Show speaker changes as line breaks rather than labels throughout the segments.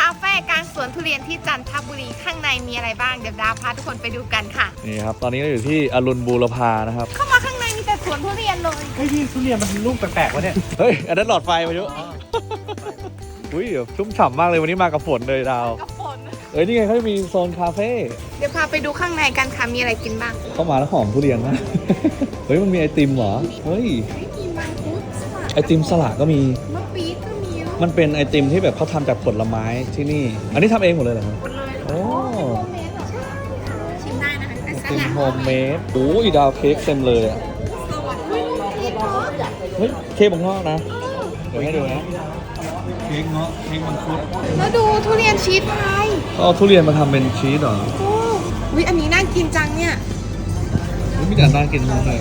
าเฟ่กลางสวนทุเรียนที่จันทบุรีข้างในมีอะไรบ้างเดี๋ยวดาวพาทุกคนไปดูกันค่ะ
นี่ครับตอนนี้เราอยู่ที่อรุณบูรพานะครับ
เข้ามาข้างในมีแต่สวนทุเรียนเลย
เฮ้ยพี่ทุเรียนมันลูกแปลกๆวะเนี่ย
เฮ้ยอันนั้นหลอดไฟมายุอุ้ยเดี๋ยวชุ่มฉ่ำมากเลยวันนี้มากับฝนเลยดาว
กับฝน
เอ้ยนี่ไงเขามีโซนคาเฟ่
เดี๋ยวพาไปดูข้างในกันค่ะมีอะไรกินบ้าง
เข้ามาแล้วหอมทุเรียนมาก เฮ้ยมันมีไอติมเหรอเฮ้ย
มีมังคุดสลัด
ไอติมสลัดก็มี
มะปี๊ดก็มี
มันเป็นไอติมที่แบบเขาทำจากผลไม้ที่นี่ อันนี้ทำเองหมดเลยเหรอครับ
หมดเลย
โอ้
โฮมเมดเหรอใช่ค่ะชิมได้นะคะแต่ส
เป็น
ลัด
โฮมเมดโอ้ยดาวเค้กเต็มเลยอ่ะ
สวัสดีเค้กเนาะ
เฮ้ยเค้กบังงอกนะเดี๋ยวให้ดูนะเค้กเงาะเค้กมังคุด
แล้วดูทุเรียนชีสไทย
เขาเอาทุเรียนมาทำเป็นชีสเหรอ
โอ้วิอันนี้น่ากินจังเนี่ย
เฮ้ยมีแต่น่ากินมากเลย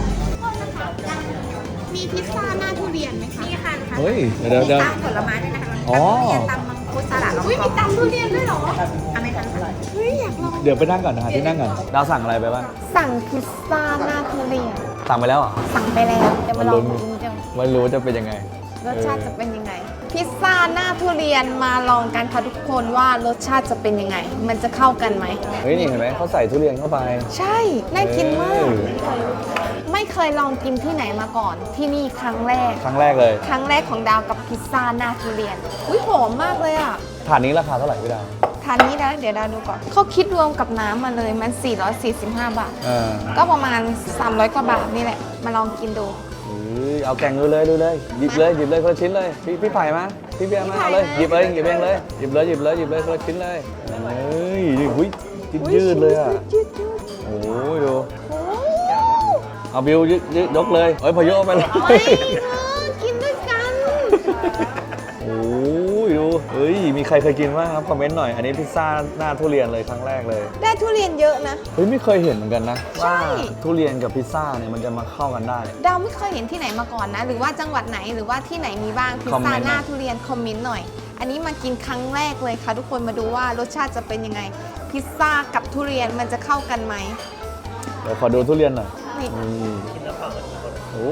มีพิซซ่าหน้าทุเรียนไหมคะนี่ค่ะ
เฮ้ยเดี๋ยว
ตำผลไม้ด้วยนะคะ
อ๋อ
ตำมังคุดสลัดอุ้ยมีตำทุเรียนด้วยเหรออเมริกันเฮ้ยอยากลอง
เดี๋ยวไปนั่งก่อนนะฮะที่นั่งก่อนดาวสั่งอะไรไปบ้าง
สั่งพิซซ่าหน้าทุเรียน
สั่งไปแล้วเหรอ
สั่งไปแล้วจะมาลองดูจัง
ไม่รู้จะเป็นยังไง
รสชาติจะเป็นยังไง พิซซ่าหน้าทุเรียนมาลองกันค่ะทุกคนว่ารสชาติจะเป็นยังไง มันจะเข้ากันไหม
เฮ้ยนี่เห็นไหมเขาใส่ทุเรียนเข้าไป
ใช่น่ากินมาก
เออ
ไม่เคยลองกินที่ไหนมาก่อน ที่นี่ครั้งแรก
ครั้งแรกเลย
ครั้งแรกของดาวกับพิซซ่าหน้าทุเรียนอุ้ยหอมมากเลยอ่ะ
ถาดนี้ราคาเท่าไหร่พี่ดาว
ทานนี้นะเดี๋ยวดาวดูก่อนเขาคิดรวมกับน้ำมาเลยมัน 445 บาท
เออ
ก็ประมาณ 300 กว่าบาทนี่แหละ มาลองกินดู
เฮ้ยเอาแกงดูเลยหยิบเลยคนละชิ้นเลยพี่ไผ่มาพี่เบียร์มาเอาเลยหยิบเองเลยหยิบเลยคนละชิ้นเลยเฮ้ยหุ้ยยืดเลยอ่ะ
ยืด
โอ้ยดู
โอ้
เอาบิวยืดยกเลยเฮ้ยพอยกเอาไปเลย
ไม่กินด้วยกัน
โอ้ยดูเฮ้ยมีใครเคยกินบ้างครับคอมเมนต์หน่อยอันนี้พิซซ่าหน้าทุเรียนเลยครั้งแรกเลย
ได้ทุเรียนเยอะนะ
เฮ้ยไม่เคยเห็นเหมือนกันนะ
ใช่
ว่าทุเรียนกับพิซซ่าเนี่ยมันจะมาเข้ากันได้
ดาวไม่เคยเห็นที่ไหนมาก่อนนะ หรือว่าจังหวัดไหนหรือว่าที่ไหนมีบ้างพิซ
คอมเม
ซ่าน
ต์
หน้า
หน่อย
ทุเรียนคอมเมนต์หน่อย อันนี้มากินครั้งแรกเลยค่ะ ทุกคนมาดูว่ารสชาติจะเป็นยังไง พิซซ่ากับทุเรียนมันจะเข้ากันไหม
เดี๋ยวขอดูทุเรียนหน่อย
นี่
โอ้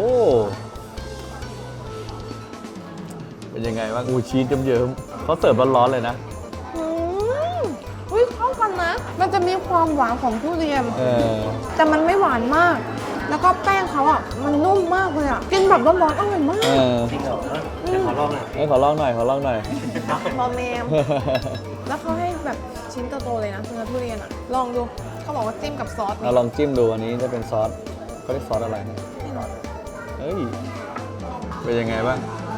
เป็นยังไงบ้างอูชีสเยิ้มๆเขาเสิร์ฟร้อนๆเลยนะ
อืมอุ้ยเข้ากันนะ มันจะมีความหวานของทุเรียน
เออ
แต่มันไม่หวานมาก แล้วก็แป้งเขาอ่ะมันนุ่มมากเลยอ่ะกินแบบร้อนๆอร่อยมา
เอก อ
จริงเหรอเดี๋ยวขอลองหน่อย
ขอลองหน่อย
มอมแมม แล้วเขาให้แบบชิ้นโตๆเลยนะเนื้อทุเรียนอ่ะ ลองดู เขาบอกว่าจิ้มกับซอส
เราลองจิ้มดูอันนี้จะเป็นซอสเขาเรียกซอสอะไรนะเฮ้ยเป็นยังไงบ้าง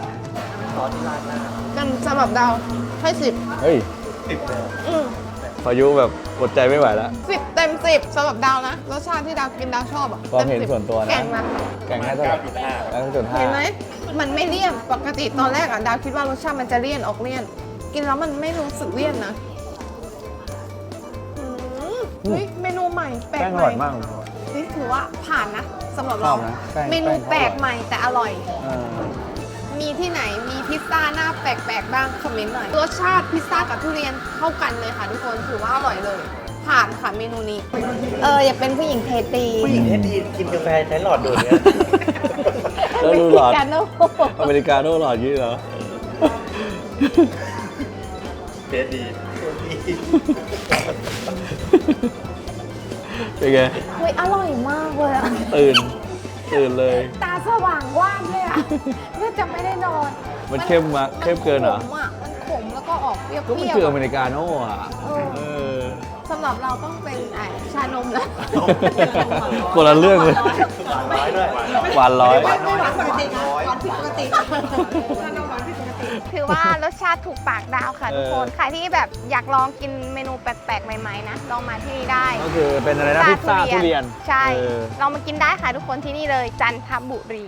กันสำหรับดาวให้สิบ
เฮ้ยพายุแบบอดใจไม่ไหวแล้ว
10 เต็ม 10สำหรับดาวนะ รสชาติที่ดาวกินดาวชอบอ่ะ
ความเห็น
ต็10
ส่วนตัวนะ
แกงนะ
แกงให้เท่าไหร่9.5
เห็นไหมมันไม่เลี่ยนปกติตอนแรกอ่ะดาวคิดว่ารสชาติมันจะเลี่ยนออกเลี่ยน กินแล้วมันไม่รู้สึกเลี่ยนนะเฮ้ยเมนูใหม่แปลก
แป้งอ
ให
ร่
ม่
อยมาก
นี่ถือว่าผ่านนะสำหรับ
ช
เรา
อบนะแป้ง
เมนู
แป้งเขา
แปลกใหม่แต่อร่อย
เออ
มีที่ไหนมีพิซซ่าหน้าแปลกๆบ้างคอมเมนต์หน่อยรสชาติพิซซ่ากับทุเรียนเข้ากันเลยค่ะทุกคนถือว่าอร่อยเลย ผ่านค่ะเมนูนี้อย่าเป็นผู้หญิงเทตี
ผู้หญิงที่ดีกินกาแฟใช้หลอดดูดเนี่ย
แล้วดูหลอด
กันโน่
อเมริกาโน่หลอดยี่เหรอ
เทสดี
เป็นไง
เฮ้ยอร่อยมากเลยอะ
ตื่นเลย
ตาสว่างว่างเลยอะเนื่อจะไม่ได้นอน
มันเข้มมากเข้มเกินเหรอ
ขมอะมันขมแล้วก็ออกเปรี้ยว
ก็มัน
ๆ
คืออ
อะ
เมริกาโน่อะเออ
สำหรับเราต้องเป็นชานมนะ
คนละเรื่องเลย
ร้อยด้วย
หวานร้อย
ไม่หวานปกตินะหวานผิดปกติถือว่ารสชาติถูกปากดาวค่ะทุกคน ใครที่แบบอยากลองกินเมนูแปลกๆ ใหม่ๆนะ ลองมาที่นี่ได้
ก็คือเป็นอะไรนะพิซซ่าทุเรียน
ใช่
เออ
ลองมากินได้ค่ะทุกคนที่นี่เลยจันทบุรี